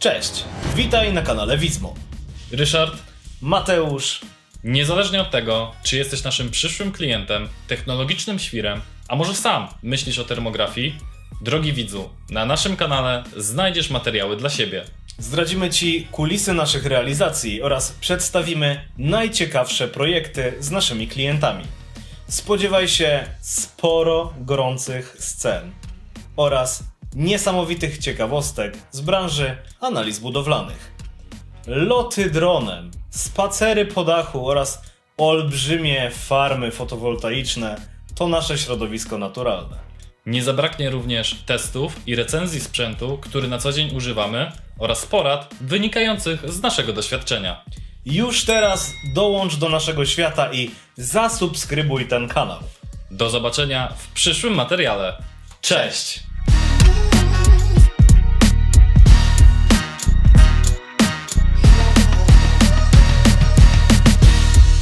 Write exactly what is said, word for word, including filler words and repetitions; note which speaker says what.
Speaker 1: Cześć, witaj na kanale Wizmo.
Speaker 2: Ryszard,
Speaker 1: Mateusz.
Speaker 2: niezależnie od tego, czy jesteś naszym przyszłym klientem, technologicznym świrem, a może sam myślisz o termografii, drogi widzu, na naszym kanale znajdziesz materiały dla siebie.
Speaker 1: Zdradzimy Ci kulisy naszych realizacji oraz przedstawimy najciekawsze projekty z naszymi klientami. Spodziewaj się sporo gorących scen oraz niesamowitych ciekawostek z branży analiz budowlanych. Loty dronem, spacery po dachu oraz olbrzymie farmy fotowoltaiczne to nasze środowisko naturalne.
Speaker 2: Nie zabraknie również testów i recenzji sprzętu, który na co dzień używamy, oraz porad wynikających z naszego doświadczenia.
Speaker 1: Już teraz dołącz do naszego świata i zasubskrybuj ten kanał.
Speaker 2: Do zobaczenia w przyszłym materiale. Cześć!